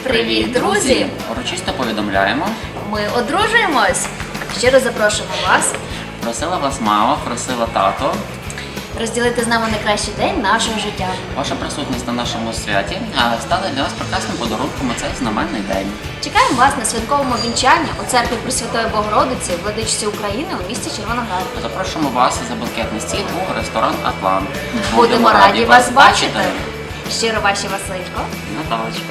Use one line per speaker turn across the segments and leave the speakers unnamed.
Привіт, друзі!
Урочисто повідомляємо.
Ми одружуємось! Щиро запрошуємо вас
Просила вас мама, просила тато.
розділити з нами найкращий день нашого життя.
Ваша присутність на нашому святі стала для нас прекрасним подарунком у цей знаменний день.
Чекаємо вас на святковому вінчанні у церкві Пресвятої Богородиці, владичці України у місті Червоноград.
Запрошуємо вас за банкетний стіл у ресторан «Атлант».
Будемо раді вас бачити! Щиро ваші Василько.
Наталочка.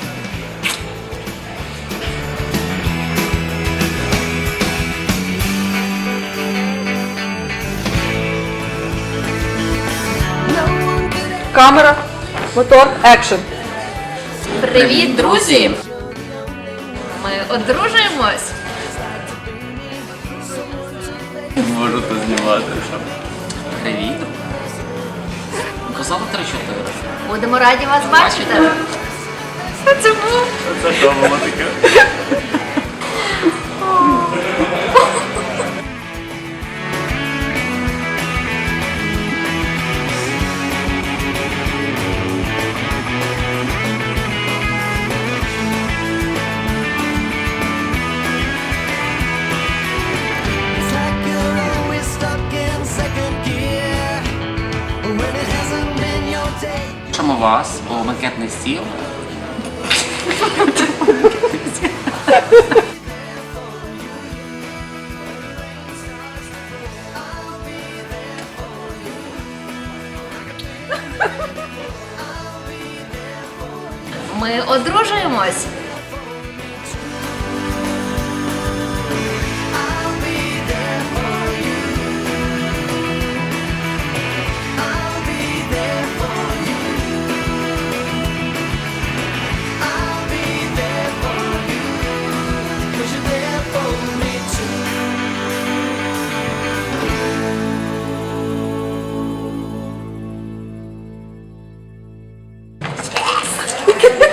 Камера, мотор, екшн.
Привіт, друзі! Ми одружуємось!
Можу то знімати. Привіт. Казала 3-4.
Будемо раді вас бачити! Це був?
Це що було таке?
It's like you're always stuck in second gear when it hasn't been your day.
Запрошуємо вас у банкетний стіл.
Ми одружуємось!
Cause you're there for me too.